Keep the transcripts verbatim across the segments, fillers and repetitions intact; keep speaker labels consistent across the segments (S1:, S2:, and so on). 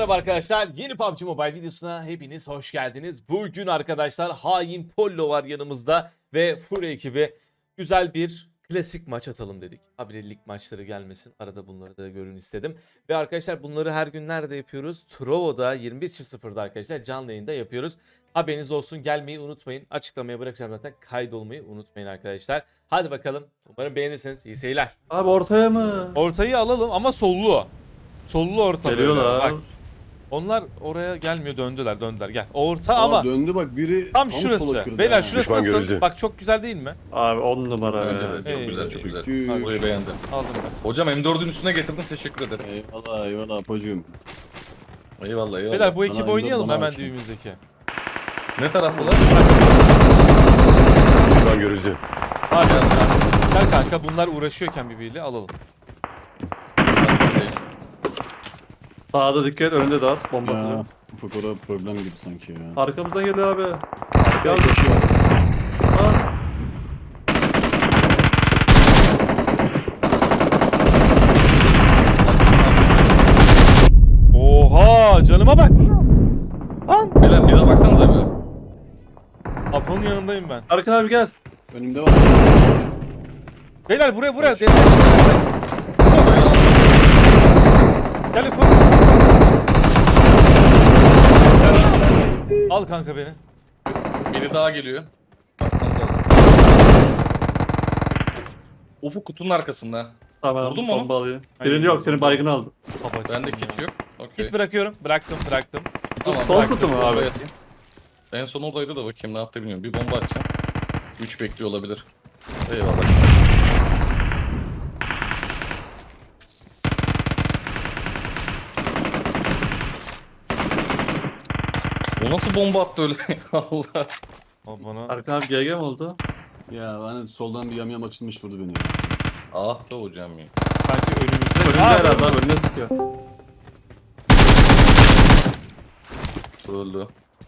S1: merhaba arkadaşlar. Yeni P U B G Mobile videosuna hepiniz hoş geldiniz. Bugün arkadaşlar hain Pollo var yanımızda ve Fury ekibi güzel bir klasik maç atalım dedik. Habire lig maçları gelmesin. Arada bunları da görün istedim. Ve arkadaşlar bunları her gün nerede yapıyoruz? Trovo'da yirmi bir sıfırda arkadaşlar canlı yayında yapıyoruz. Haberiniz olsun, gelmeyi unutmayın. Açıklamaya bırakacağım zaten, kaydolmayı unutmayın arkadaşlar. Hadi bakalım. Umarım beğenirsiniz. İyi seyirler.
S2: Abi ortaya mı?
S1: Ortayı alalım ama sollu. Sollu orta böyle.
S2: Geliyorlar.
S1: Bak, onlar oraya gelmiyor, döndüler döndüler gel. Orta
S3: Aa,
S1: ama
S3: döndü bak biri
S1: tam
S3: sola
S1: şurası.
S3: kırdı
S1: Beyler
S3: ha.
S1: şurası
S4: Düşman
S1: nasıl?
S4: görüldü.
S1: Bak çok güzel değil mi?
S2: Abi on numara
S5: Evet,
S2: be.
S5: evet, çok
S1: Ey,
S5: güzel, çok güzel.
S3: Çünkü-
S5: Burayı beğendim.
S1: Aldım ben.
S5: Hocam M dördün üstüne getirdin, teşekkür ederim.
S3: Eyvallah eyvallah apocuğum.
S5: Eyvallah, eyvallah.
S1: Beyler bu ekip
S3: Bana
S1: oynayalım
S3: bana
S1: hemen
S3: açın.
S1: düğümüzdeki.
S5: Ne taraftalar?
S4: Düşman görüldü.
S1: Hadi gel kanka, bunlar uğraşıyorken birbiriyle alalım.
S2: Sağda dikkat, önünde dağıt. Bomba
S3: Ya
S2: atıyor.
S3: ufak orada problem gibi sanki ya.
S2: Arkamızdan geliyor abi.
S3: Gel
S2: Gel.
S3: koşuyor.
S2: Aa,
S1: Oha, canıma bak. Lan.
S5: Beyler bize baksanıza bir.
S1: Apo'nun yanındayım ben.
S2: Arkan abi gel.
S3: Önümde var.
S1: Beyler buraya buraya. Destek. Gel Ufuk. Al kanka beni.
S5: Biri daha geliyor. Bakmanız lazım. Ufuk kutunun arkasında.
S2: Tamam,
S5: Vurdun mu onu?
S2: bomba alıyor.
S1: Hayır.
S2: Birini yok, senin baygını aldı.
S1: Babacığım
S5: Bende
S1: ya.
S5: kit yok. Okey.
S1: Kit bırakıyorum. Bıraktım bıraktım.
S5: Tamam,
S2: Sol
S5: bıraktım.
S2: kutu mu abi?
S5: Oraya atayım. En son oradaydı da bakayım ne yaptı bilmiyorum. Bir bomba atacağım. üç bekliyor olabilir. Eyvallah. O nasıl bomba attı öyle? Allah.
S1: Al bana.
S2: Arkan abi G G mi oldu?
S3: Ya hani soldan bir yamyam açılmış vurdu beni ya.
S5: Ah be hocam ya.
S1: Sanki önümüzde.
S2: Önünde
S1: Aa,
S2: herhalde abi, önüne sıkıyor.
S5: Öldü.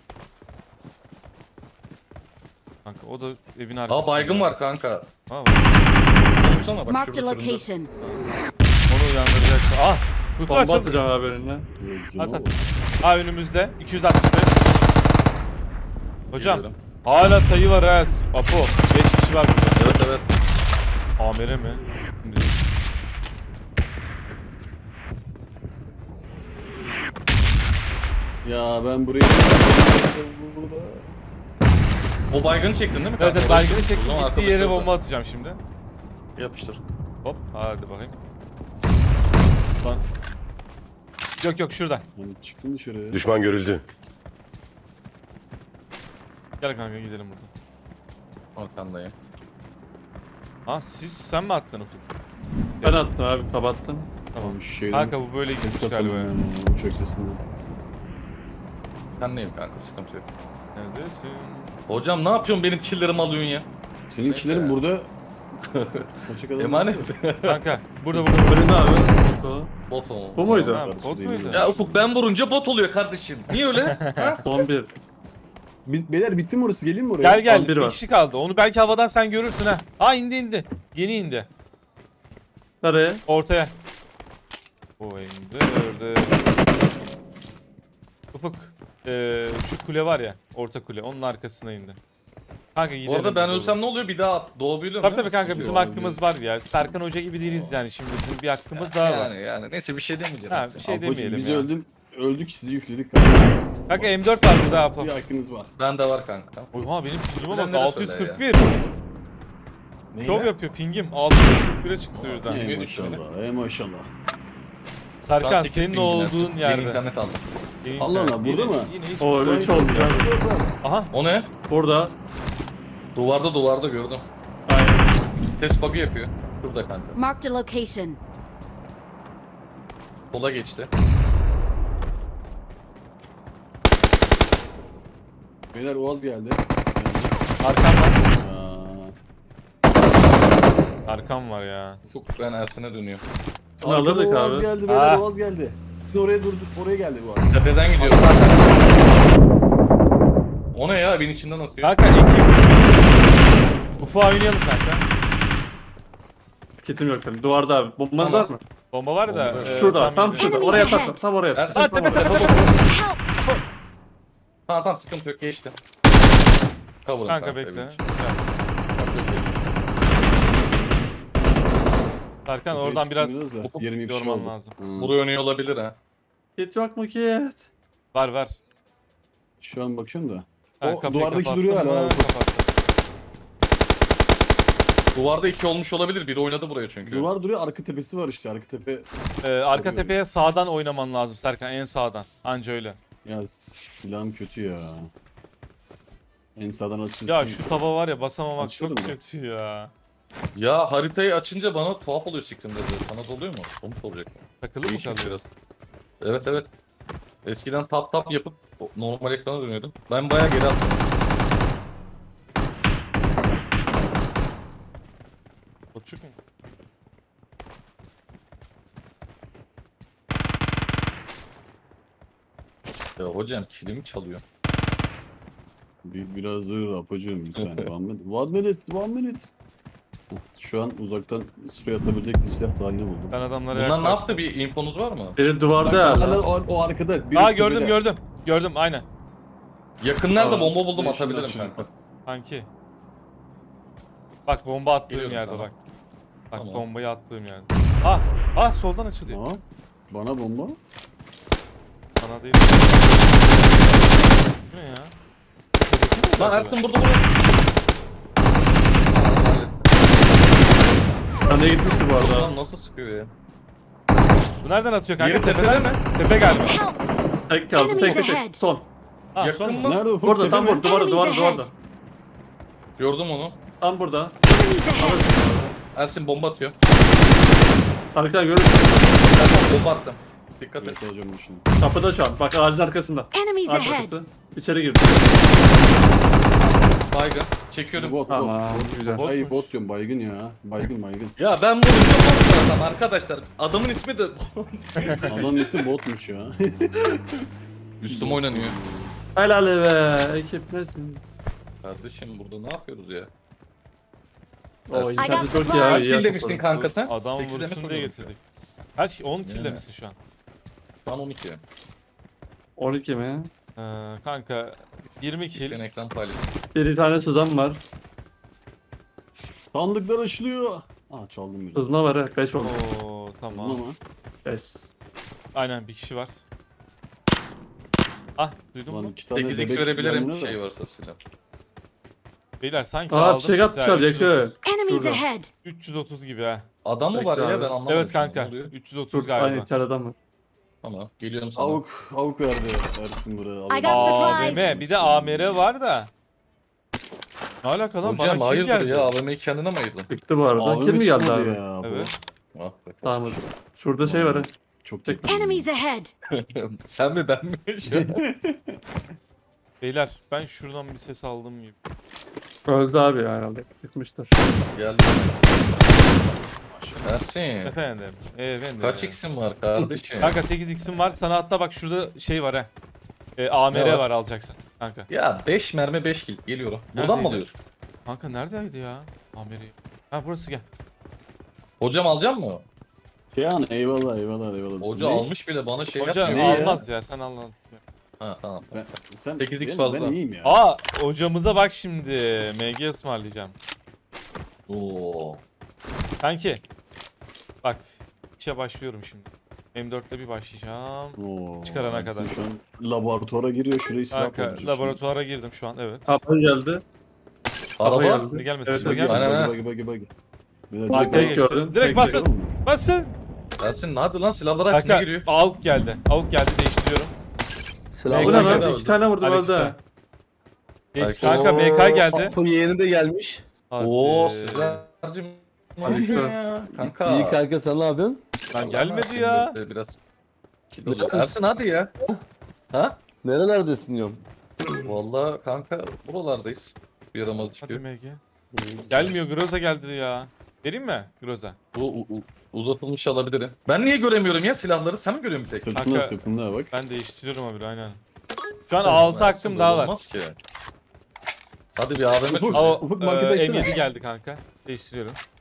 S1: Kanka o da evin arkasında.
S5: Aa baygın var kanka.
S1: Ha, var.
S5: Vursana bak
S6: Marked a
S5: şurada süründü.
S6: location.
S1: Onu uyandıracak. Ah! Kutu
S2: Bomba
S1: açıldı.
S2: atacağım abi önüne.
S3: Gözüme
S1: At at.
S3: bak.
S1: Ha önümüzde. iki yüz altmış beş. Hocam
S5: Geliyorum.
S1: hala sayı var ha. Apo. beş kişi var burada.
S5: Evet evet.
S1: Amire mi? Şimdi
S3: Ya ben burayı... Burada.
S5: O baygını çektin değil mi kanka?
S1: evet evet, baygını çektim.
S5: O zaman
S1: Gittiği
S5: arkadaşı
S1: yere
S5: orada.
S1: bomba atacağım şimdi.
S5: Yapıştır.
S1: Hop. Hadi bakayım. Lan. Yok yok şuradan.
S3: Hani çıktın dışarıya.
S4: Düşman görüldü.
S1: Gel kanka gidelim buradan.
S5: Arkandayım.
S1: Ha siz sen mi attın Ufuk?
S2: Ben attım abi, kapattım.
S1: Tamam.
S3: Abi şu şeyden
S1: Kanka bu böyle
S3: ses
S1: gitmiş
S3: kasalım
S1: galiba.
S3: yani uçak sesinden.
S5: Sen neyim kanka, sıkıntı yok.
S1: Neredesin?
S5: Hocam ne yapıyorsun, benim killerimi alıyorsun ya?
S3: Seninkilerin
S5: Neyse.
S3: burada... Kaçak adam
S5: Emanet.
S1: Kanka burada burada.
S2: Önünde abi. Bot
S5: Bot o.
S2: Bu muydu?
S1: Ha, bot muydu?
S5: Ya Ufuk ben vurunca bot oluyor kardeşim. Niye öyle? Ha?
S2: Son bir.
S3: Bi- Beyler bitti mi orası? Geleyim mi oraya?
S1: Gel gel.
S2: Son biri
S1: Bir
S2: var.
S1: kişi kaldı. Onu belki havadan sen görürsün ha. Aa indi indi. Yeni indi.
S2: Nereye?
S1: Ortaya. O indi. Öldü. Ufuk. Ee, şu kule var ya. Orta kule. Onun arkasına indi. Kanka gidelim.
S5: Bu arada ben
S1: burada.
S5: ölsem ne oluyor, bir daha at. Doğabiliyor
S1: Tabii
S5: muyum?
S1: tabii kanka bizim
S3: Abi.
S1: hakkımız var ya. Serkan Hoca gibi değiliz yani şimdi. Bizim bir hakkımız daha var.
S5: Yani yani neyse bir şey demeyeceğim.
S1: Ha,
S5: neyse.
S1: bir şey
S3: Apocuğum,
S1: demeyelim
S3: biz
S1: ya.
S3: öldüm. Öldük sizi yükledik.
S1: Kanka M dört var burada Apo.
S3: Bir hakkınız var.
S5: Bende var kanka.
S1: Oha benim pingime bak
S5: Bilenlere
S1: altı yüz
S5: söyle
S1: kırk bir. Çok yapıyor pingim. altı yüz kırk bire çıktı birden.
S3: Ey
S5: Yeni
S3: maşallah. Ey maşallah.
S5: Şu an
S1: Serkan
S5: sekiz
S1: senin
S5: bin
S1: olduğun
S5: dinlersin. Yeni
S1: yerde.
S5: internet aldım.
S1: Yeni
S3: Allah
S1: internet.
S3: Allah, burada
S1: Yine-
S3: mı?
S1: Yine hiç
S2: O öyle
S1: sorun
S2: üç
S1: yok.
S2: oldu ya.
S1: Aha.
S5: O ne?
S2: Burada.
S5: Duvarda duvarda gördüm.
S2: Aynen.
S5: Test bug'ı yapıyor. Şurada kanka.
S6: Marked a location.
S5: Sola geçti.
S3: Beyler Oğaz geldi.
S1: Arkam var.
S3: Aa,
S1: Arkam var ya.
S5: Ufuk ben Ersin'e dönüyorum.
S2: Bunu
S3: Arkada
S2: alırdık
S3: Oğaz
S2: abi.
S3: geldi beyler
S1: Ah.
S3: Oğaz geldi. Siz oraya durduk oraya geldi bu arada.
S5: Tepeden gidiyor. O ne ya? Evin içinden atıyor.
S1: Kanka ekip. Ufa oynayalım kanka.
S2: Kitim yok benim. Duvarda abi. Bombanız var
S5: Tamam.
S2: mı?
S1: Bomba var da.
S5: Bomba.
S1: e,
S2: Şurada tam
S1: yedi.
S2: şurada.
S4: Enemies
S2: Oraya
S4: ahead.
S2: tak. Tam oraya.
S5: Ersin,
S2: Tam
S1: tepe,
S2: oraya.
S1: tepe, tepe.
S4: Help!
S5: Tamam tamam sıkıntı yok geçti. Cover'ım
S1: Kanka bekle.
S5: benim için.
S1: Gel. Serkan
S3: Kafayı
S1: oradan biraz
S3: sıkıyoruz da, yirmi kişi
S1: yorman
S3: oldu.
S1: lazım.
S3: Hı.
S5: Buraya oynuyor olabilir ha.
S2: Kit yok mu kit?
S1: Var var.
S3: Şu an bakıyorum da.
S1: Ha,
S3: O
S1: kapıyı
S3: duvardaki
S1: kapattın
S3: duruyor
S1: mı?
S3: hala.
S1: Kapattım.
S5: Duvarda iki olmuş olabilir. Biri oynadı buraya çünkü.
S3: Duvar duruyor, arka tepesi var işte. Arka tepe.
S1: Ee, arka
S3: Tabii.
S1: tepeye sağdan oynaman lazım Serkan, en sağdan. Anca öyle.
S3: Ya silahım kötü ya. En sağdan açıyorsun.
S1: Ya şu tava var ya, basamamak
S3: Açıyorum
S1: çok
S3: da.
S1: kötü ya.
S5: Ya haritayı açınca bana tuhaf oluyor siktimde de. Sana da oluyor mu? Onu soracak.
S1: Takılı mı
S5: Değişik
S1: kalıyor?
S5: biraz. Evet evet. Eskiden tap tap yapıp normal ekrana dönüyordum. Ben bayağı geri attım.
S1: Koçuk mu?
S5: Ya hocam kilimi çalıyor.
S3: Bir, biraz dur Apocuğum bir saniye. One minute. One minute. One minute. Şu an uzaktan sprey atabilecek bir silah halini buldum.
S1: Ben adamlara
S5: Bunlar ne
S1: yaklaştım.
S5: yaptı? Bir infonuz var mı?
S2: Biri
S3: Bak,
S2: duvarda
S3: hala
S2: hala.
S3: o, o arkada. biri
S1: Aa gördüm
S3: tepede.
S1: gördüm. Gördüm aynen.
S5: Yakınlarda
S3: Aa,
S5: bomba buldum
S3: ben
S5: atabilirim
S3: şimdi
S5: kanka.
S1: Kanki. Bak bomba attığım
S5: Geliyorum
S1: yerde
S5: sana.
S1: bak. Bak
S5: Tamam.
S1: bombayı attığım yerde. Ah! Ah soldan açılıyor.
S3: Aa, bana bomba.
S1: Sana değil. Bu ne ya? Tepedeki mi
S5: Lan
S1: acaba?
S5: Ersin burada burada.
S2: Sen de gitmişsin bu arada.
S5: Lan nasıl sıkıyor ya?
S1: Bu nereden atıyor kanka?
S5: Yeri
S1: Tepeden mi?
S5: tepede
S1: Tepe galiba.
S4: Help!
S2: Tek kaldı. Tek
S4: Enemies
S2: tek
S4: ahead.
S2: tek. Son.
S1: Ha,
S5: Yakın
S1: son
S5: mı?
S1: mu?
S3: Nerede ufuk?
S2: Burada
S3: tepe
S2: tam
S3: mi?
S2: burada. Duvarda
S4: Enemies
S2: duvarda duvarda.
S4: ahead.
S5: Gördüm onu.
S2: Tam burada.
S4: Enemies ahead!
S5: Ersin bomba atıyor.
S2: Arkadan görürsün.
S5: Ersin bomba attım. Dikkat et.
S3: Evet hocam bu şimdi.
S2: Kapıda şu an. Bak ağacın arkasında.
S4: Enemies
S2: Ağaç
S4: ahead!
S2: arkası. İçeri girdi.
S5: Baygın. Çekiyorum.
S3: Bot bot.
S2: Tamam,
S3: bot.
S2: güzel.
S3: Ay bot diyorum baygın ya. Baygın baygın.
S5: Ya ben bunu yapamıyorum adam arkadaşlar. Adamın ismi de
S3: Adamın ismi botmuş ya.
S5: üstüme oynanıyor.
S2: Helal be. Ekip nesin?
S5: Kardeşim burada ne yapıyoruz ya?
S2: O
S4: I got
S2: internet çok iyi
S4: supplies.
S2: abi.
S5: Kaç
S2: iyi
S5: kill
S2: yaptın.
S5: demiştin kanka sen?
S1: Adam
S5: Sekizde mi
S1: vursun diye
S5: sordun?
S1: getirdik. Kaç? on kill
S5: Yani.
S1: demişsin şu an.
S5: Şu an on iki.
S2: on iki mi?
S1: Ee, kanka yirmi
S5: Sen
S1: kill.
S5: ekran paylaş.
S2: Bir tane sızan var.
S3: Sandıklar açılıyor. Aa çaldım bir de.
S2: Sızma var ha. beş oldu.
S1: Oo
S3: Sızma
S1: tamam.
S3: mı?
S2: Yes.
S1: Aynen bir kişi var. Ah duydun
S3: Lan
S1: mu?
S3: iki tane
S5: sekiz x
S3: bebek
S5: verebilirim
S3: yanına da.
S5: şey varsa silah.
S1: Beyler sanki
S2: Aa
S1: aldım
S2: fişek
S1: sizi ha,
S2: atmışlar
S1: üç yüz otuz.
S2: yakın.
S4: Enemies
S2: Şurada.
S4: ahead!
S1: üç yüz otuz gibi ha.
S5: Adam mı var
S2: Bekle
S5: ya
S2: abi.
S5: ben anlamadım.
S1: Evet
S5: Ne
S1: kanka.
S5: oluyor?
S1: üç yüz otuz
S2: Dur aynı
S1: galiba.
S2: içeride adam var.
S5: Tamam geliyorum sana.
S3: Avuk, avuk verdi Ersin buraya.
S4: I got
S1: A V
S4: supplies.
S1: M bir de A M R var da. Ne alaka lan? Bana
S5: Hocam
S1: kim
S5: hayırdır
S1: geldi?
S5: ya A V M'yi kendine mi ayırdın?
S2: Çıktı bu arada. Kim mi geldi abi?
S3: Ya, bu.
S1: Evet.
S5: Ah be.
S2: Tamam. Şurada şey var ha.
S3: Çok
S2: Tek-
S3: yakın.
S4: Enemies ahead!
S5: Sen mi ben mi? Şu an?
S1: Beyler ben şuradan bir ses aldım gibi.
S2: Öldü abi ya herhalde. Çıkmıştır.
S5: Geldim. Ersin.
S1: Efendim. Efendim.
S5: Kaç x'in var kardeşim?
S1: Kanka sekiz x'im var. Sana hatta bak şurada şey var ha. E, A M R
S5: Ne var?
S1: var alacaksan. Kanka.
S5: Ya beş mermi beş kill geliyorum. Buradan mı
S1: Neredeydi?
S5: alıyorsun?
S1: Kanka neredeydi ya? A M R. Ha burası gel.
S5: Hocam alacak mı?
S3: Yani eyvallah eyvallah eyvallah.
S5: Hoca
S3: Ne?
S5: almış bile bana şey
S1: Hoca
S5: yapmıyor.
S3: Ne ya?
S1: almaz ya sen al al.
S5: Ha tamam.
S3: Ben, sen,
S5: sekiz x
S3: ben,
S5: fazla.
S3: Ben iyiyim ya.
S1: Aa hocamıza bak şimdi. M G ısmarlayacağım.
S5: Oo.
S1: Kanki. Bak. işe başlıyorum şimdi. M dörtle bir başlayacağım.
S3: Oo,
S1: Çıkarana
S3: Ersin
S1: kadar.
S3: Şu an laboratuvara giriyor şurayı silah
S1: Kanka
S3: dolduracak
S1: laboratuvara girdim şu an evet.
S2: Kapı geldi.
S5: Araba.
S2: geldi.
S1: Şimdi gelmesin
S2: Evet,
S1: şimdi
S2: evet.
S1: gelmesin.
S5: Aynen.
S3: Bagi bagi bagi. Bir de
S1: Arkaya
S3: direkt-
S1: geçti.
S2: gördüm.
S1: Direkt
S2: Tek
S1: basın.
S3: Oğlum,
S1: Basın.
S5: Ersin hadi lan silahlara aç ne
S1: Kanka
S5: giriyor?
S1: AUK geldi. AUK geldi değiştiriyorum.
S2: Bu ne
S1: Kanka,
S2: lan?
S5: geldi.
S2: İki tane vurdum
S1: Aleykümselam.
S2: öldü.
S1: Geç.
S5: Belki-
S1: Kanka M K geldi.
S6: Apo yeğeni de gelmiş.
S1: Hadi.
S5: Oo sizlercim.
S2: Aleykümselam.
S5: Kanka.
S6: İyi kanka sen ne yapıyorsun?
S1: Lan gelmedi ya.
S5: Şimdi Biraz. Ersin hadi ya. Ha?
S6: Nerelerdesin diyorum.
S5: Vallahi kanka buralardayız. Bir yaramalı
S1: Hadi
S5: çıkıyor.
S1: M G. Gelmiyor Groza geldi ya. Vereyim mi Groza?
S5: Bu u- u- uzatılmış alabilirim. Ben niye göremiyorum ya silahları? Sen mi görüyorsun bir tek?
S3: Sırtında
S1: Kanka-
S3: sırtında bak.
S1: Ben değiştiriyorum abi aynen. Şu an altı hakkım
S5: Ersin,
S1: daha
S5: böyle
S1: var.
S5: olmaz ki. Hadi bir A V M
S3: Ufuk.
S5: çöz.
S1: Ama
S3: Ufuk
S1: e,
S3: markete
S1: M
S3: açsana.
S1: yedi geldi kanka. Değiştiriyorum.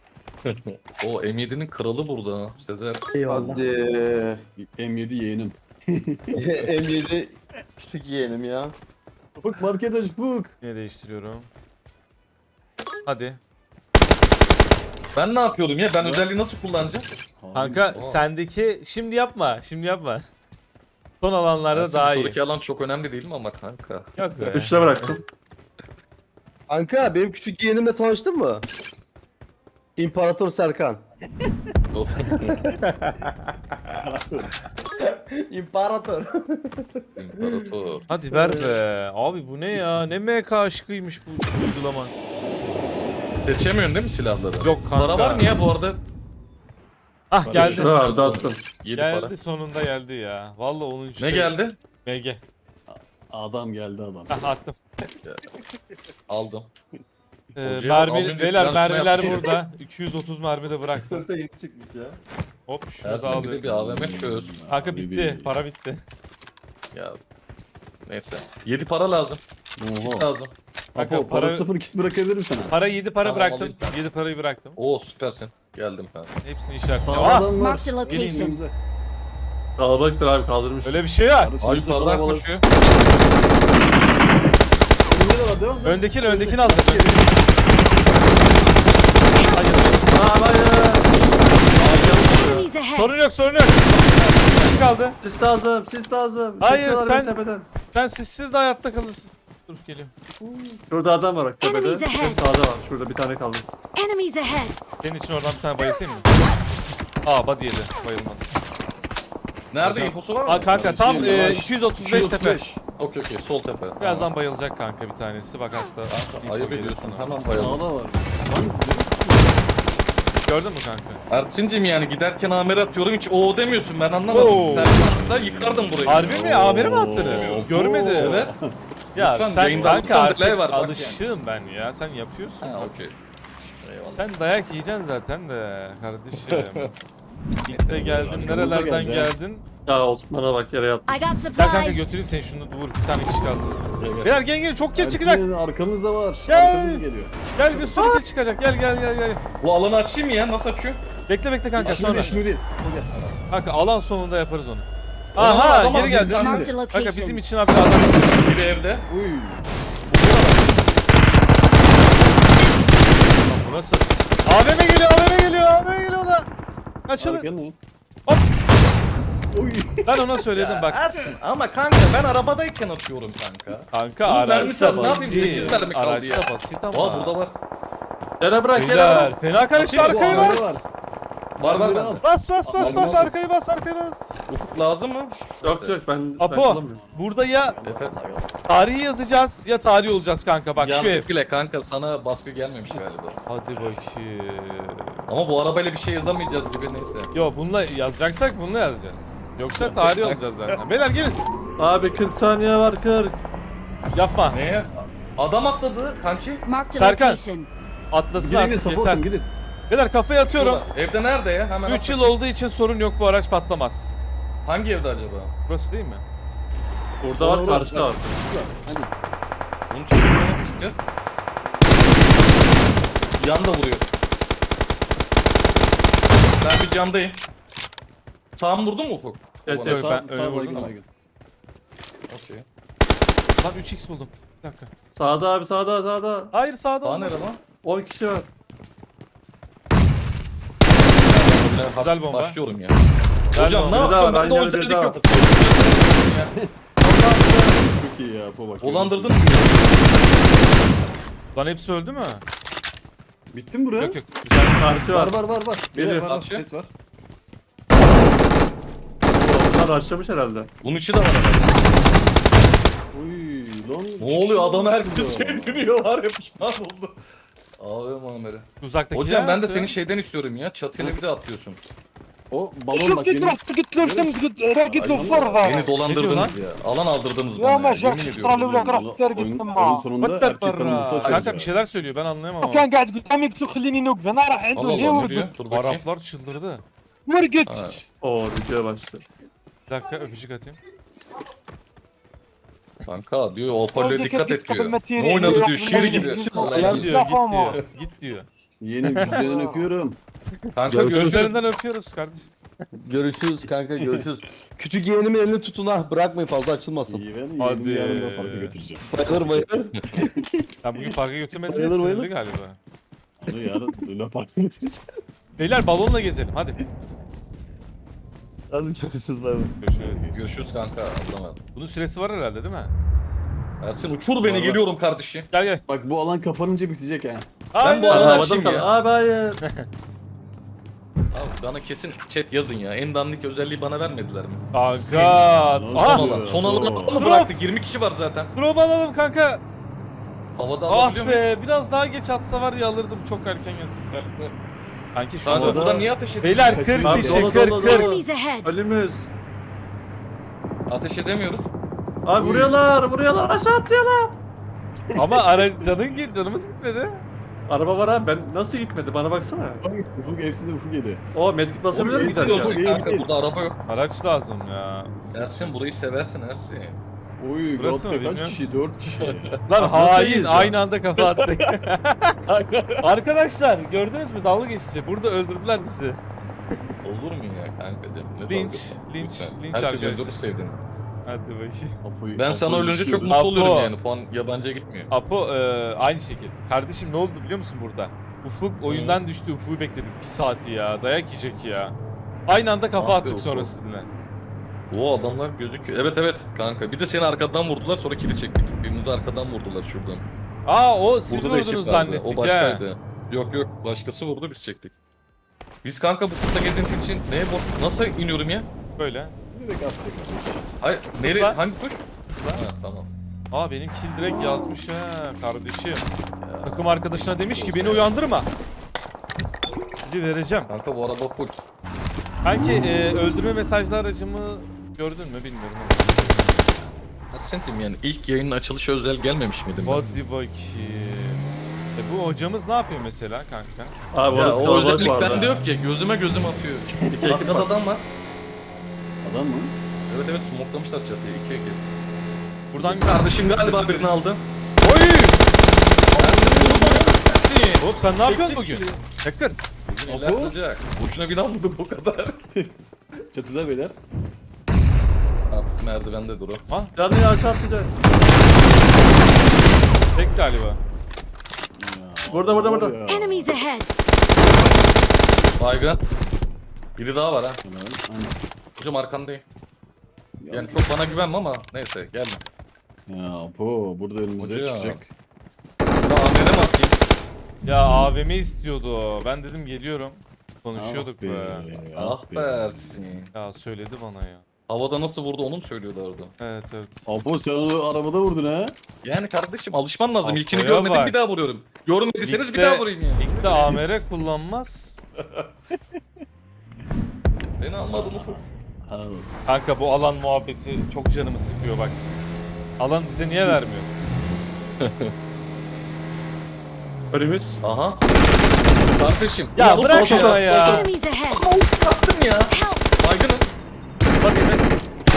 S5: O M yedi'nin kralı burada ha. Sezer.
S6: Eyvallah. Hadi.
S3: M yedi yeğenim.
S6: M yedi küçük yeğenim ya.
S3: Bak market aç buk.
S1: Yine değiştiriyorum. Hadi.
S5: Ben ne yapıyordum ya? Ben özelliği nasıl kullanacağım?
S1: Kanka
S5: Aa.
S1: sendeki şimdi yapma. Şimdi yapma. Son alanlarda
S5: Ersin,
S1: daha iyi.
S5: sonraki alan çok önemli değil mi ama kanka?
S1: Yok be.
S2: Üçte bıraktım.
S6: Kanka benim küçük yeğenimle tanıştın mı? İmparator Serkan. İmparator.
S5: İmparator.
S1: Hadi ver be. Abi bu ne ya? Ne M K aşkıymış bu uygulama.
S5: Seçemiyorsun değil mi silahları?
S1: Yok kanka.
S5: Para var mı ya bu arada?
S1: Ah geldi.
S2: Şurada vardı attım.
S5: yedi
S1: Geldi
S5: para.
S1: sonunda geldi ya. Vallahi onuncu
S5: Ne
S1: şey-
S5: geldi?
S1: M G.
S3: Adam geldi adam.
S1: Ah attım.
S5: Aldım.
S1: Ee,
S5: Hocaya bak,
S1: mermi,
S5: abim de
S1: beyler
S5: silahını
S1: mermiler
S5: yaptı.
S1: burada. iki yüz otuz mermi de bıraktım.
S6: Dörtte yeni çıkmış ya.
S1: Hop şunu da
S5: Ersin bir de
S1: alıyorum.
S5: bir A V M çöz.
S1: Kanka bitti. Para bitti.
S5: Ya. Neyse. yedi para lazım.
S3: Oha.
S5: Lazım.
S1: Kanka
S3: Apo, para
S1: para,
S3: sıfır kit bırakabilirim sana.
S1: para yedi para
S5: Tamam,
S1: bıraktım.
S5: alayım ben.
S1: yedi parayı bıraktım.
S5: Oo süpersin. Geldim ben.
S1: Hepsini
S3: Sağ
S1: işaretleyeceğim. Ah!
S3: adam var.
S4: Marked a location.
S3: Gelin önümüze.
S2: Kalabalıktır abi kaldırmış.
S1: Öyle bir şey var.
S3: Kardeşim,
S5: Ay
S3: bize
S5: yukarıdan
S3: kalabalık.
S5: koşuyor.
S3: Önünde de var, devam et.
S1: Öndekini öndekini aldım.
S4: Enemies ahead.
S1: Sorun yok sorun yok. Kişi kaldı.
S2: Sis lazım, sis lazım.
S1: Hayır,
S2: Çekiyorlar
S1: sen-
S2: beni tepeden.
S1: Sen sizsiz de hayatta kalırsın. Dur geliyorum.
S2: Şurada adam var bak tepede.
S4: Enemies
S2: Bir
S4: ahead.
S2: sağda var. Şurada bir tane kaldı.
S4: Enemies ahead.
S1: Senin için oradan bir tane bayıltayım mı? Aa body yedi. Bayılmadı.
S5: Nerede
S1: Hocam.
S5: infosu var mı?
S1: Aa kanka tam
S3: Şey,
S1: e,
S3: yavaş.
S1: iki yüz otuz beş tepe.
S5: Okey okey sol tepe.
S1: Birazdan bayılacak kanka bir tanesi. Bak hatta.
S5: Kanka, ayıp
S1: info geliyor
S5: ediyorsun.
S1: sana.
S5: Hemen bayalım.
S3: Sağda var.
S1: Gördün mü kanka?
S5: Ersin'cim yani giderken amere atıyorum hiç o demiyorsun ben anlamadım.
S1: Oo.
S5: Sen atsa yıkardım burayı.
S1: Harbi mi? Amiri mi attın? Görmedi.
S5: Evet.
S1: Ya
S5: Lütfen,
S1: sen
S5: yayında
S1: kanka
S5: lütfen
S1: artık
S5: delay var, bak
S1: alışığım ben ya. Sen yapıyorsun.
S5: Ha okey. Eyvallah.
S1: Sen dayak yiyeceksin zaten de kardeşim. Git de geldin
S3: Arkamızda
S1: nerelerden
S3: geldi ha.
S1: geldin.
S2: Ya Osman'a bak yere yattı.
S4: I got
S1: Gel kanka
S4: supplies.
S1: götüreyim seni şunu vur bir tane kişi kaldı.
S3: Gel, gel.
S1: Beyler gel gel çok kill çıkacak.
S3: Ersin, arkamızda var.
S1: Gel.
S3: Arkamız geliyor.
S1: Gel bir sürü kill çıkacak gel gel gel gel.
S5: Bu alanı açayım mı ya? Nasıl açıyor?
S1: Bekle bekle kanka
S3: Şimdi
S1: sonra.
S3: değil, şimdi değil.
S1: Kanka alan sonunda yaparız onu.
S5: Aa,
S1: Aha
S5: adam
S1: geri
S5: aldı.
S1: geldi.
S3: Şimdi.
S4: Marked a
S1: Kanka bizim
S4: location.
S1: için abi adam.
S5: Biri evde.
S3: Uy.
S1: Lan bu nasıl? A V M geliyor A V M geliyor A V M geliyor da. Açılın.
S3: Arkana ne?
S1: Hop.
S3: Uy.
S1: Ben ona söyledim bak.
S5: Ersin ama kanka ben arabadayken atıyorum kanka.
S1: Kanka
S5: Bunun mermisi az,
S1: araçta
S5: ne yapayım? sekiz
S1: basit.
S5: mermi kaldı
S1: Araçta
S5: ya.
S1: basit ama.
S5: Aa burada var.
S2: Yere bırak yere
S1: Beyler
S2: bırak.
S1: fena karıştı
S5: Bakayım,
S1: arkayı
S3: bu arada
S1: bas.
S5: Var var
S3: Biri
S5: bende.
S3: al.
S1: Bas bas bas
S3: Al,
S1: bas
S3: al.
S1: arkayı bas arkayı bas.
S5: Ufuk lazım mı?
S2: Yok yok ben, ben
S1: Apo
S2: kullanmıyorum.
S1: burada ya
S5: Efe.
S1: tarihi yazacağız ya tarih olacağız kanka bak şu ev.
S5: Yazdık bile kanka sana baskı gelmemiş galiba.
S1: Hadi bakayım.
S5: Ama bu arabayla bir şey yazamayacağız gibi neyse.
S1: Yo bununla yazacaksak bununla yazacağız. Yoksa tarih olacağız zaten. Beyler gelin.
S2: Abi kırk saniye var kırk.
S1: Yapma.
S5: Neye? Adam atladı kanki.
S4: Marked a
S1: Serkan.
S4: location.
S1: Atlasın
S3: Gidin gidin
S1: artık yeter.
S3: support'um gidin.
S1: Beyler kafaya atıyorum.
S5: Şurada. Evde nerede ya? Hemen
S1: üç
S5: at.
S1: yıl olduğu için sorun yok bu araç patlamaz.
S5: Hangi evde acaba?
S1: Burası değil mi?
S2: Burada var
S3: Orada,
S2: karşıda var.
S3: Hadi.
S5: Bunun çözümünü nasıl çıkacağız? Yan da vuruyor. Ben bir camdayım. Sağım vurdun mu Ufuk?
S2: Evet,
S1: Yok,
S2: evet.
S1: ben
S3: Sağ-
S1: öyle
S3: sağ
S1: vurdum
S3: baygın,
S1: ama.
S3: baygın.
S5: Okey.
S1: Lan üç x buldum. Bir dakika.
S2: Sağda abi sağda sağda.
S1: Hayır sağda
S5: Daha
S1: olmaz.
S5: nerede lan?
S2: on kişi var.
S1: Güzel bomba.
S5: Başlıyorum ya.
S1: Güzel
S5: Hocam
S1: bomba.
S5: ne
S2: Bir daha
S5: yaptın?
S2: var,
S5: Ben de
S2: aynı
S5: o
S2: yerde
S5: özellik
S2: daha
S5: yok.
S2: var.
S3: Çok iyi ya Apo bak.
S5: Dolandırdın mı?
S1: Lan hepsi öldü mü?
S3: Bitti mi buraya?
S1: Yok yok. Güzel.
S2: Karşı var.
S3: Var var var var.
S2: Geliyor.
S3: Var, var,
S5: Karşı.
S3: ses var.
S2: Onlar başlamış herhalde.
S5: Bunun içi de var herhalde.
S3: Uy lan.
S5: Ne oluyor? Adam
S3: çıkış
S5: herkes
S3: oldu.
S5: şey dönüyor var ya pişman oldu. Abi Muammer'e.
S1: Uzaktaki
S5: Hocam
S1: ya.
S5: ben de senin şeyden istiyorum ya. Çatıyla bir de atlıyorsun.
S3: O balon
S7: شوف
S3: bak
S7: كي
S3: benim.
S7: تروح قلت له انت راقد له فرضه
S5: Beni dolandırdınız ya. Alan aldırdınız
S7: يا
S5: bana
S7: ما
S5: ya.
S7: جاك
S5: Yemin
S7: شطرة
S5: ediyorum.
S7: الاولى راح
S3: Oyun,
S7: ترقد
S3: oyun
S7: تما
S3: sonunda
S1: What the
S3: herkes sana
S1: barra?
S3: muhtaç
S1: Kanka
S3: olacak.
S1: bir şeyler söylüyor ben anlayamam ama.
S7: وكان قاعد قدامي قلت له خليني نوقف انا راح عنده
S5: Allah
S7: ليه
S5: Allah ne diyor?
S7: ورقد
S5: Dur bakayım.
S1: Araplar çıldırdı.
S7: ورقد
S5: Ha.
S2: Oo video başladı.
S1: Bir dakika öpücük atayım.
S5: Kanka diyor o hoparlöre
S7: Oradaki
S5: dikkat et
S7: kapı
S5: diyor.
S7: metini
S5: Ne oynadı
S7: yok,
S5: diyor şiir
S7: bunları
S5: gibi.
S7: yok.
S1: Git
S5: Vallahi
S1: diyor,
S5: diyor.
S1: git
S7: Yapamam.
S1: diyor. Git diyor.
S3: Yeğenim yüzlerinden öpüyorum.
S5: Kanka
S6: Görüşürüz.
S5: görüşürüz.
S1: Gözlerinden öpüyoruz kardeşim.
S6: Görüşürüz kanka görüşürüz. Küçük yeğenimin elini tutun ha. Bırakmayın fazla açılmasın.
S3: İyi ben
S1: Hadi.
S3: yeğenimi yarın da parka götüreceğim.
S6: Bayılır bayılır.
S1: Sen bugün parka götürmedin de
S6: Bayılır,
S1: sinirli
S6: bayılır.
S1: galiba.
S3: Onu yarın Luna Park'a götüreceğim.
S1: Beyler balonla gezelim hadi.
S6: Hadi görüşürüz bay bay.
S1: Görüşürüz.
S5: Görüşürüz kanka. Allah'a emanet.
S1: Bunun süresi var herhalde değil mi?
S5: Ersin uçur beni, geliyorum kardeşim.
S1: Gel gel.
S3: Bak bu alan kapanınca bitecek ha.
S5: Ben bu
S1: Aynen.
S5: alanı
S2: Havada
S5: açayım
S2: kal.
S5: ya.
S2: Abi hayır.
S5: Abi bana kesin chat yazın ya. En dandik özelliği bana vermediler mi?
S1: Kanka.
S3: Nasıl
S1: Aha.
S5: Son
S3: ya?
S5: alan. Son alanı
S3: Oo.
S5: mı bıraktık? yirmi kişi var zaten.
S1: Drop alalım kanka.
S5: Havada
S1: Ah
S5: alabiliyor muyum?
S1: be biraz daha geç atsa var ya alırdım çok erken geldim. Kanki şu
S5: Kanka
S1: anda.
S5: buradan niye ateş ediyorsun?
S1: Beyler
S3: Kaçın.
S1: kırk
S2: Abi,
S1: kişi
S2: dolu,
S1: kırk
S2: dolu,
S1: kırk.
S2: dolu.
S4: Enemies ahead!
S2: Ölümüz.
S5: Ateş edemiyoruz.
S2: Abi vuruyorlar, vuruyorlar, aşağı atlıyorlar.
S1: Ama ara canın git canımız gitmedi.
S2: Araba var abi, ben nasıl gitmedi bana baksana.
S3: Bak Ufuk hepsi de Ufuk yedi.
S2: O medkit basabilir
S3: Oğlum,
S2: mi
S3: hepsi
S2: giderken?
S3: de
S5: Gidiyorsun
S3: iyi,
S5: kanka,
S3: iyi.
S5: burada araba yok.
S1: Araç lazım ya.
S5: Ersin burayı seversin Ersin.
S3: Oy
S1: Burası mı
S3: God'da kaç
S1: bilmiyorum.
S3: kişi? dört kişi.
S1: Lan
S2: Nasıl
S1: hain
S2: yiyeceğim?
S1: aynı anda kafa attık. Arkadaşlar gördünüz mü dalga geçti. Burada öldürdüler bizi.
S5: Olur mu ya kanka? Ne
S1: Linç,
S5: dalgası?
S1: linç,
S5: Lütfen.
S1: linç
S5: Herkes
S1: arkadaşlar.
S5: öldürür sevdiğini.
S1: Hadi bakayım.
S3: Apo'yu-
S5: Ben sana
S3: Apo'yu
S5: ölünce çok
S3: düşüyoruz.
S5: mutlu
S1: Apo.
S5: oluyorum yani. Puan yabancıya gitmiyor.
S1: Apo e, aynı şekil. Kardeşim ne oldu biliyor musun burada? Ufuk oyundan düştü. Ufuk'u bekledik bir saati ya. Dayak yiyecek ya. Aynı anda kafa
S5: Ah be
S1: attık
S5: Ufuk.
S1: sonra sizinle.
S5: O adamlar gözüküyor. Evet evet kanka. Bir de seni arkadan vurdular, sonra kili çektik. Birimizi arkadan vurdular şuradan.
S1: Aa o siz
S5: Burada da ekip
S1: vurdunuz
S5: vardı.
S1: zannettik
S5: O
S1: ha.
S5: başkaydı. Yok yok, başkası vurdu, biz çektik. Biz kanka bu kısa gezinti için neye borç... Nasıl iniyorum ya?
S1: Böyle.
S3: Direkt attık.
S5: Hayır, nereye?
S1: Lan.
S5: Hangi tuş? Ha tamam.
S1: Aa benim kill direkt yazmış ha kardeşim. Takım arkadaşına demiş ki beni uyandırma. Şimdi vereceğim.
S5: Kanka bu araba full.
S1: Belki e, öldürme mesajlı aracımı gördün mü bilmiyorum.
S5: Nasıl sentim yani? İlk yayının açılışı özel gelmemiş miydim ben?
S1: Hadi bakayım. E bu hocamız ne yapıyor mesela kanka?
S2: Abi
S5: Ya
S2: orası
S5: o
S2: kalabalık
S5: özellik
S2: vardı.
S5: bende yok ya. Gözüme gözüm atıyor.
S2: İki ekip
S5: Arkada
S2: var.
S5: adam var.
S3: Adam mı?
S5: Evet evet, smoklamışlar çatıya. İki ekip.
S1: Buradan
S5: Kardeşim galiba birini aldı.
S1: Oy!
S5: Ersin!
S1: Hop sen ne yapıyorsun
S5: Çektik
S1: bugün?
S5: ki.
S1: Çakır.
S5: Bugün eller sıcak. Boşuna bir almadık o kadar.
S3: Çatıda beyler.
S5: Artık merdivende dur o.
S2: Canı ya aşağı atlayacak.
S1: Tek galiba.
S3: Ya,
S2: Burada, burada,
S3: var
S2: burada.
S3: ya.
S4: Enemies ahead!
S5: Baygın. Biri daha var ha.
S3: Helal, aynen.
S5: Hocam arkandayım.
S3: Ya,
S5: Yani çok bana güvenme ama neyse gelme.
S3: Ya Apo burada önümüze
S5: Hocam.
S3: çıkacak.
S5: Buna A V M mi atayım?
S1: Ya A V M istiyordu o. Ben dedim geliyorum. Konuşuyorduk
S3: Ah be,
S1: be.
S5: Ah be Ersin.
S1: Ya söyledi bana ya.
S5: Havada nasıl vurdu onu mu söylüyordu orada?
S1: Evet evet.
S3: Apo sen onu arabada vurdun ha.
S5: Yani kardeşim alışman lazım. İlkini
S1: Apo'ya
S5: görmedim
S1: bak.
S5: bir daha vuruyorum. Görmediyseniz bir
S1: Ligde-
S5: daha vurayım ya.
S1: Ligde A M R kullanmaz.
S5: Beni almadın ufuk.
S3: Helal olsun.
S1: Kanka bu alan muhabbeti çok canımı sıkıyor bak. Alan bize niye vermiyor?
S2: Önümüz.
S5: Aha. Kardeşim.
S1: Ya
S5: ulan
S1: bırak
S5: ufuk
S1: şunu ya.
S4: Enemies ahead!
S5: Ama ufuk attın ya.
S4: Help!
S5: Baygınım. Bak evet.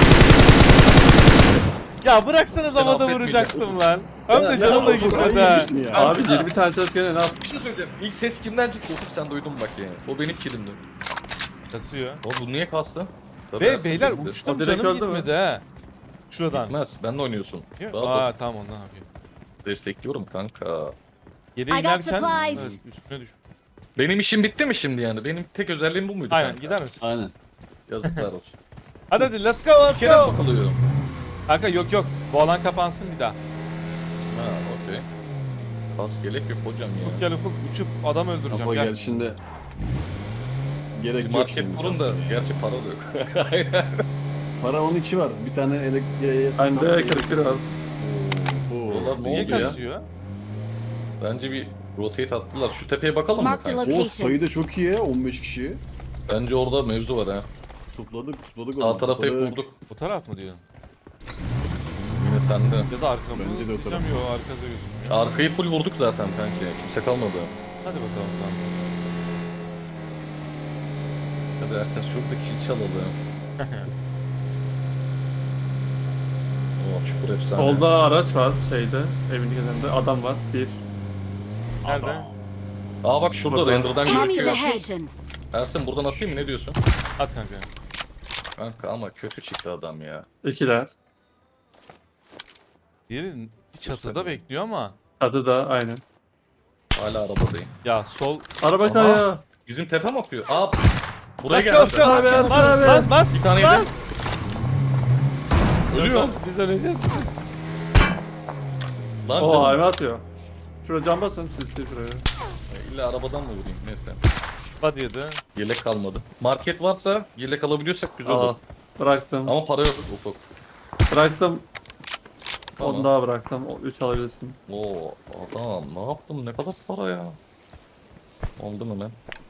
S1: Ya bıraksanız
S5: Seni
S1: havada
S5: affetmeyeceğim.
S1: vuracaktım lan. Hem
S5: Ya
S1: de
S5: ne
S1: canımla
S3: Ufuk,
S1: gitmedi
S3: ay,
S1: ha.
S3: iyisin ya.
S2: Abi yirmi tane çalışken ne yap?
S5: Bir şey söyleyeceğim. İlk ses kimden çıktı ufuk, sen duydun bak yani. O benim kilimdi.
S1: Kasıyor.
S5: O bu niye kastı? Tabii
S1: Ve
S5: Ersin
S1: beyler
S5: bildi.
S1: uçtum
S2: O direkt
S1: canım
S2: öldü mü?
S1: gitmedi ha. Şuradan.
S5: Gitmez. Benle oynuyorsun.
S1: Yok.
S5: Rahat ol.
S1: Aa tamam ondan yapayım.
S5: Destekliyorum kanka.
S1: Geri
S4: I got
S1: inerken
S4: supplies.
S1: evet, üstüne düş.
S5: Benim işim bitti mi şimdi yani? Benim tek özelliğim bu muydu
S1: Aynen
S5: kanka?
S1: gider misin?
S3: Aynen.
S5: Yazıklar olsun.
S1: Hadi hadi let's go let's
S5: Kerem
S1: go.
S5: takılıyor.
S1: Kanka yok yok. Bu alan kapansın bir daha.
S5: Ha okey. Kas gerek yok hocam ya.
S1: Ufuk gel Ufuk uçup adam öldüreceğim
S3: Apo
S1: gel.
S3: gel şimdi. Gerek
S5: Bir
S3: yok
S5: market
S3: şimdi.
S5: kurun da gerçi para da yok. Aynen.
S3: Para on iki var. Bir tane elektriğe...
S2: Bende kırık biraz.
S5: Buralar ne
S1: Niye
S5: oldu ya?
S1: kasıyor?
S5: Bence bir rotate attılar. Şu tepeye bakalım mı
S4: Marked a
S5: kanka?
S3: O
S4: location.
S3: sayı da çok iyi ya. on beş kişi.
S5: Bence orada mevzu var ha.
S3: Topladık topladık.
S5: Sağ
S3: onu,
S5: tarafı hep
S3: topladık.
S5: vurduk.
S1: Bu taraf mı diyorsun?
S5: Yine sende.
S1: Ya da arkamı
S3: Bence de o
S1: sıkacağım
S3: taraf.
S1: yok arkada gözükmüyor.
S5: Arkayı full vurduk zaten kanki. Kimse kalmadı.
S1: Hadi bakalım tamam.
S5: Hadi Ersen şurada kill çalalım. Oo çukur efsane.
S2: Solda araç var şeyde. Evin yanında adam var. Bir.
S1: Nerede?
S5: Aa bak şurada
S2: Burada.
S5: render'dan
S4: Enemies
S5: gözüküyor.
S4: ahead!
S5: Ersin buradan atayım mı ne diyorsun?
S1: At kanka.
S5: Kanka ama kötü çıktı adam ya.
S2: İkiler.
S1: Diğeri bir çatıda bekliyor ama.
S2: Adı da aynen.
S5: Hala arabadayım.
S1: Ya sol.
S2: Araba
S5: Aha.
S2: kayıyor.
S5: Bizim tepe mi atıyor? Aa buraya
S1: Bas
S5: gel.
S1: bas
S5: Ersin.
S2: abi,
S1: bas
S2: Ersin
S1: bas
S2: abi.
S1: lan bas.
S5: Bir tane
S1: bas.
S5: yedim. Ölüyor.
S1: Biz öleceğiz.
S5: Lan
S2: Oo
S5: dedim,
S2: ayva atıyor. Şuraya cam basın siz siz şuraya.
S5: illa arabadan mı vurayım neyse.
S1: Hadi yedi.
S5: Yelek kalmadı. Market varsa yelek alabiliyorsak güzel
S2: Aa,
S5: olur.
S2: bıraktım.
S5: Ama para yok ufak.
S2: Bıraktım.
S5: Tamam.
S2: Onu daha bıraktım. O üç alabilirsin.
S5: Oo adam ne yaptım ne kadar para ya. Oldu mu lan?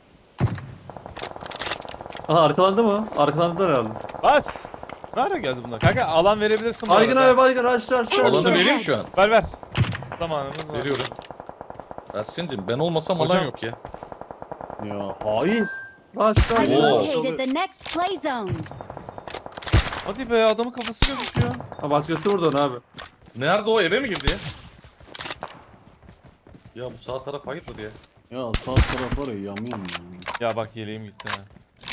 S2: Aha arkalandı mı? Arkalandılar herhalde.
S1: Bas. Nerede geldi bunlar? Kanka alan verebilirsin bu
S2: Baygın
S1: arada.
S2: abi baygın aşağı aşağı.
S5: Alanı
S4: Enemies
S5: vereyim
S4: ahead.
S5: şu an.
S1: Ver ver. Zamanımız var.
S5: Veriyorum. Ersin'cim ben olmasam
S1: Hocam.
S5: alan yok ya.
S3: Ya hain.
S2: Aşağı.
S4: I've
S5: Oo.
S4: located the next play zone.
S1: Hadi be adamın kafası gözüküyor.
S2: Ha başkası vurdu onu abi.
S5: Nerede o eve mi girdi ya? Ya bu sağ taraf hayırdır ya.
S3: Ya sağ taraf var ya yam yam ya.
S1: Ya bak yeleğim gitti ha.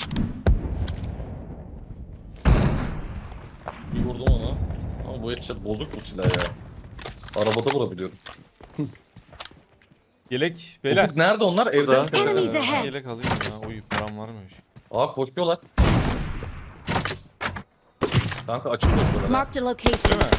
S5: Bir vurdum ona. Ama bu headshot bozuk bu silah ya. Arabada vurabiliyorum.
S1: Yelek beyler.
S5: Ufuk nerede onlar? Evde
S2: Burada.
S5: mi? Tepede mi?
S4: Enemies
S1: Ben
S4: ahead.
S1: yelek alayım ya. Oy param varmış.
S5: Aa koşuyorlar. Kanka açık koşuyorlar. ha.
S4: Marked a
S1: Değil
S4: location.
S1: mi?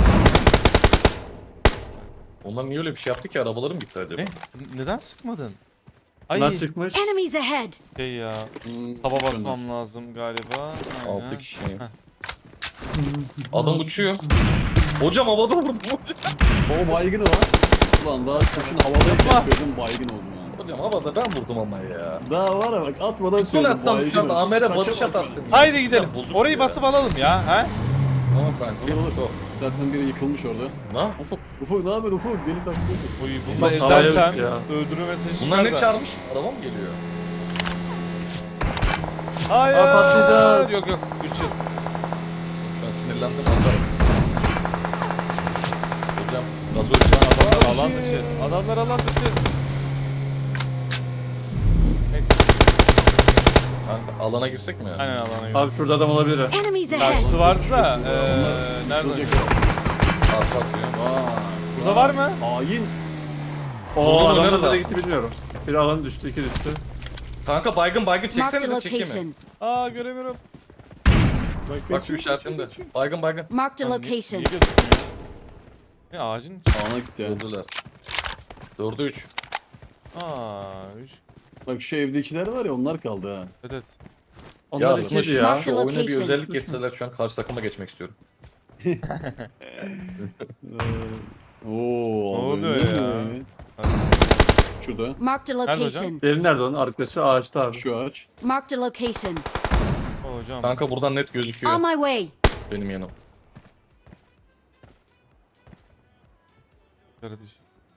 S5: Onlar niye öyle bir şey yaptı ki? Arabalarım gitti acaba?
S1: Ne? Neden sıkmadın? Ay
S2: Bunlar çıkmış.
S4: Enemies ahead.
S1: şey ya.
S3: Hmm,
S1: Hava
S3: şunlar.
S1: basmam lazım galiba. Aynen.
S5: Altı kişi.
S1: Heh.
S5: Adam uçuyor. Hocam havada vurdum.
S3: O baygın o. Ulan daha kuşun havadayken gördüm baygın oldum yani.
S5: Hocam havada ben vurdum ama ya.
S3: Daha var ya bak atmadan
S5: Sol
S3: söyledim
S5: atsam şu anda
S3: oldum.
S5: Amer'e
S3: Kaça
S5: batış
S3: bak
S5: attım.
S1: Haydi gidelim.
S5: Ya, bozuk
S1: Orayı
S5: ya.
S1: basıp alalım ya. Ha?
S5: Tamam kanka.
S3: Olur, olur.
S5: Çok.
S3: Zaten biri yıkılmış orada.
S5: Ne?
S3: Ufuk, Ufuk ne haber Ufuk? Deli taklıyor.
S1: Oy bunu
S2: Bak, havaya
S1: ezersem
S2: uçtu ya.
S1: öldürme mesajı çıkar
S5: Bunlar ne
S1: da.
S5: çağırmış? Araba mı geliyor?
S1: Hayır.
S2: Aa, patlayacağız.
S1: Yok yok. üç yıl.
S5: Şu an sinirlendim atarım. Hocam gazoz şu an
S1: Adamlar
S5: adamlar
S1: alan dışı. Adamlar alan dışı. Neyse.
S5: Kanka alana girsek mi?
S1: Aynen alana göre.
S2: Abi şurada adam olabilir. ha.
S4: Enemies
S1: Karşısı
S4: ahead.
S1: vardı da.
S3: Onlar
S1: Eee nerede?
S3: yıkılacak
S1: oynuyor?
S3: ya.
S5: Arka atıyor.
S3: Vay.
S1: Burada var mı?
S3: Hain.
S2: Oo
S5: Buldum,
S2: adam
S5: nerede?
S2: nereye gitti bilmiyorum. Bir alan düştü, iki düştü.
S5: Kanka baygın baygın
S4: Marked a
S5: çeksenize çekeyim mi?
S4: location.
S1: Aa göremiyorum.
S5: Bak şu işaretimde. Baygın baygın.
S4: Marked a
S1: Lan niye-
S4: location.
S1: Niye gözükmüyor? Ne ağacın içi?
S3: Sağına gitti yani.
S5: Öldüler. Dördü üç.
S1: Aa, üç.
S3: Bak şu evdekiler var ya onlar kaldı ha.
S1: Evet.
S2: Onlar
S5: Ya,
S2: ikiydi
S5: şu-
S2: ya.
S5: Şu oyuna bir
S4: Location.
S5: özellik getirseler şu an karşı takıma geçmek istiyorum.
S3: Ee, Oo,
S1: Ne
S3: abi,
S1: oluyor
S3: ne
S1: ya?
S3: oluyor? Şurada.
S4: Marked a
S1: Nerede hocam?
S4: location.
S2: Diğeri nerede onun? Arkadaşı ağaçta abi.
S3: Şu ağaç.
S4: Marked a location.
S1: O hocam.
S5: Kanka buradan net gözüküyor
S4: On my way.
S5: benim yanım.
S1: Kardeş.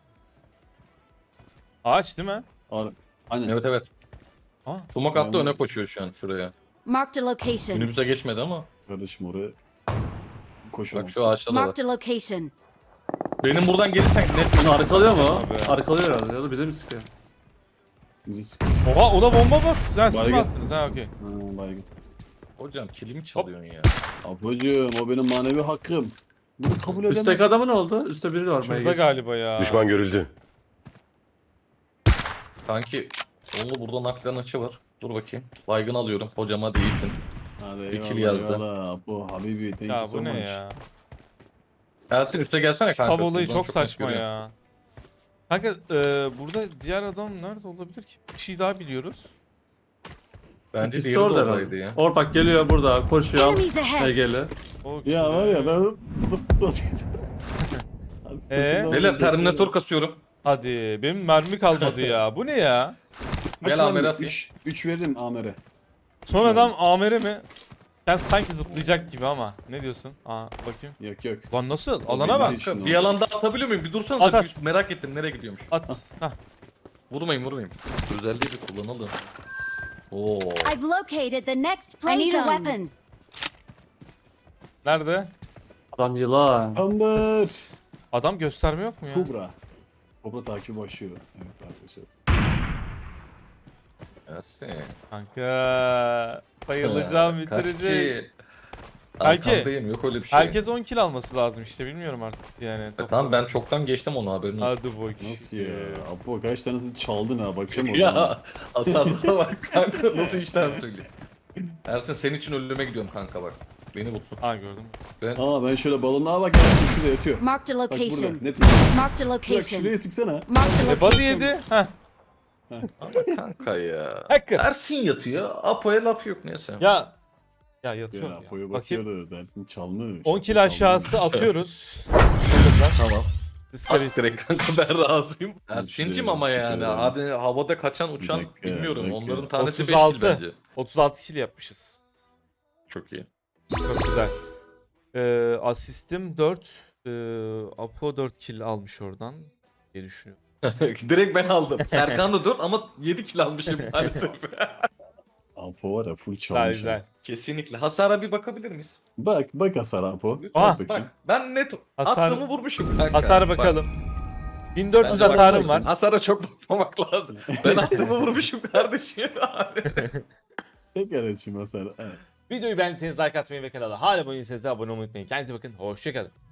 S1: Ağaç değil mi?
S3: Ar Aynen.
S5: Evet evet.
S1: Aa.
S5: Tumak attı
S3: Aynen.
S5: öne koşuyor şu an şuraya.
S4: Marked a location.
S5: Minibüse geçmedi ama.
S3: Kardeşim oraya
S5: Bak
S3: koşamaz.
S5: şu ağaçta da var.
S4: Marked a location.
S5: Benim buradan gelirsen net
S2: Onu arkalıyor mu?
S1: Abi.
S2: Arkalıyor herhalde ya da bize mi sıkıyor?
S3: Bizi sıkıyor.
S1: Oha ona bomba mı? Sen siz mi
S3: Baygın.
S1: attınız? Ha okey.
S3: Ha, baygın.
S5: Hocam kilimi çalıyorsun ya.
S3: Ablacığım o benim manevi hakkım. Bunu kabul edemem.
S2: Üstteki adamı ne oldu? Üstte biri var.
S1: Şurada
S2: Meygir.
S1: galiba ya.
S8: Düşman görüldü.
S5: Sanki onlu burada naklen açı var. Dur bakayım. Baygın alıyorum. Hocama değilsin.
S3: Hadi
S5: Bir kill
S3: eyvallah,
S5: yazdı.
S3: eyvallah. Bu Habibi thank
S1: Ya
S3: you so
S1: bu ne
S3: much.
S1: ya?
S5: Ersin üste gelsene kanka.
S1: Tab olayı
S5: Buradan
S1: çok saçma
S5: net görüyorum.
S1: ya. Kanka e, burada diğer adam nerede olabilir ki? Bir şey daha biliyoruz.
S5: Bence
S2: İkisi
S5: diğeri de
S2: orada
S5: oradaydı
S2: herhalde.
S5: ya.
S2: Or bak geliyor burada koşuyor.
S4: Enemies ahead.
S2: Egeli.
S1: O
S3: Ya var ya ben
S1: Ee?
S5: Beyler Terminator kasıyorum.
S1: Hadi benim mermi kalmadı ya. Bu ne ya?
S5: Gel Amer'e atayım.
S3: üç veririm Amer'e.
S1: Son adam Amer'e mi? Sen sanki zıplayacak gibi ama. Ne diyorsun? Aa bakayım.
S3: Yok yok.
S1: Lan nasıl?
S3: O
S1: Alana
S3: belli
S1: bak.
S3: değil. Şimdi
S5: Bir alanda atabiliyor muyum? Bir dursanıza.
S1: At, at.
S5: bir merak ettim nereye gidiyormuş.
S1: At. Hah.
S5: Vurmayın vurmayın. Özelliği de kullanalım. Oo.
S4: I've located the next play zone. I need a weapon.
S1: Nerede?
S2: Adam yılan.
S3: Amber.
S1: Adam gösterme yok mu ya?
S3: Kubra. Kubra takip başlıyor. Evet arkadaşlar.
S5: Ersin.
S1: Kanka bayılacağım bitirecek. Kanki,
S5: Arkandayım yok öyle bir şey.
S1: Herkes on kill alması lazım işte bilmiyorum artık yani.
S5: E, tamam ben çoktan geçtim onu haberin olsun.
S1: Hadi bakayım.
S3: Nasıl ya? Apo kaç tanesini çaldın ha bakacağım oradan.
S5: Ya hasarlara bak kanka nasıl işten söyleyeyim. Ersin senin için ölüme gidiyorum kanka bak. Beni bulsun.
S1: Aa gördüm.
S3: Aa ben şöyle balonluğa bak ya şurada yatıyor.
S4: Marked a
S3: Bak burada
S4: location.
S3: net.
S4: Marked a
S3: Bak
S4: location.
S3: şuraya sıksana.
S4: Marked a
S1: E body
S4: location.
S1: yedi. Heh.
S5: Ama kanka ya.
S1: Hacker.
S5: Ersin yatıyor. Apo'ya laf yok neyse.
S1: Ya ya yatıyorum
S3: Ya
S1: ya.
S3: Apo'ya
S1: Bakayım.
S3: bakıyoruz. Ersin çalmış.
S1: on kill
S3: Apo
S1: aşağısı
S3: çalmış.
S1: atıyoruz.
S5: Tamam.
S1: Discovery.
S5: At direkt kanka ben razıyım.
S3: İşte,
S5: Ersin'cim ama
S3: teşekkür
S5: yani.
S3: ederim.
S5: Hadi havada kaçan uçan
S3: Bir dakika,
S5: bilmiyorum.
S3: bir dakika.
S5: Onların tanesi beş
S1: otuz
S5: kill
S1: altı.
S5: bence.
S1: otuz altı kill yapmışız.
S5: Çok iyi.
S1: Çok güzel. Ee, asistim dört. Ee, Apo dört kill almış oradan diye düşünüyorum.
S5: Direkt ben aldım. Serkan da dört ama yedi kill almışım maalesef.
S3: Apo var ya full
S1: Güzel
S3: çalmış.
S1: güzel.
S3: ha.
S5: Kesinlikle. Hasara bir bakabilir miyiz?
S3: Bak bak hasar Apo.
S1: Aha,
S3: Bak bakayım.
S5: Bak ben net
S1: Hasar-
S5: attığımı vurmuşum kanka.
S1: Hasara
S5: Bak,
S1: bakalım. bin dört yüz
S5: bence
S1: hasarım
S5: bak-
S1: var.
S5: Hasara çok bakmamak lazım. Ben attığımı vurmuşum kardeşim.
S3: Tekrar açayım hasar. Evet.
S1: Videoyu beğendiyseniz like atmayı ve kanala hala abone değilseniz de abone olmayı unutmayın. Kendinize bakın. Hoşçakalın.